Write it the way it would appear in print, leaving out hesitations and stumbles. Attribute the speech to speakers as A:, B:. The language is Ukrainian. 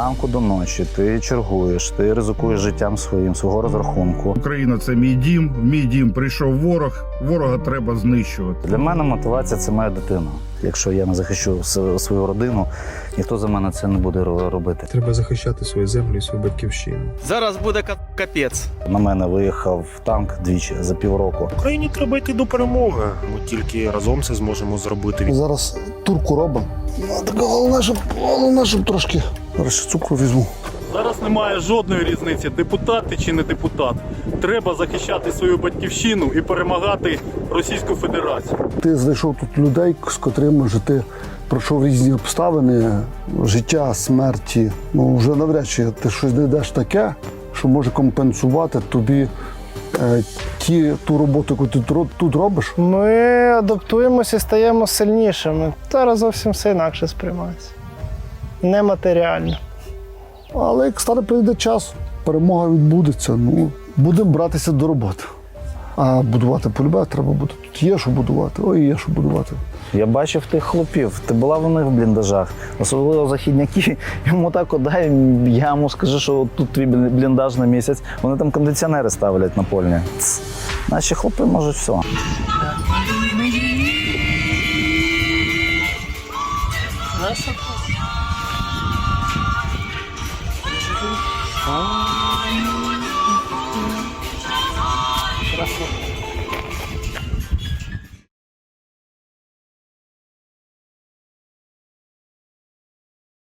A: зранку до ночі ти чергуєш, ти ризикуєш життям своїм, свого розрахунку.
B: Україна – це мій дім. В мій дім прийшов ворог. Ворога треба знищувати.
A: Для мене мотивація – це моя дитина. Якщо я не захищу свою родину, ніхто за мене це не буде робити.
C: Треба захищати свою землю і свою батьківщину.
D: Зараз буде капець.
A: На мене виїхав танк двічі за півроку.
E: Україні треба йти до перемоги. Ми тільки разом це зможемо зробити.
F: Зараз турку робимо. Так головне, щоб трошки зараз цукру візьму.
G: Зараз немає жодної різниці, депутат ти чи не депутат. Треба захищати свою батьківщину і перемагати Російську Федерацію.
F: Ти знайшов тут людей, з котрими вже ти пройшов різні обставини, життя, смерті. Ну, вже навряд чи ти щось знайдеш таке, що може компенсувати тобі ту роботу, яку ти тут робиш.
H: Ми адаптуємося і стаємо сильнішими. Зараз зовсім все інакше сприймається. Нематеріально.
F: Але як стане прийде час, перемога відбудеться. Ну, будемо братися до роботи. А будувати полюбе треба буде. Тут є що будувати, ой, є що будувати.
A: Я бачив тих хлопів, ти була в них в бліндажах, особливо західняки, йому так дай, я йому скажу, що тут твій бліндаж на місяць, вони там кондиціонери ставлять напольні. Наші хлопи можуть все.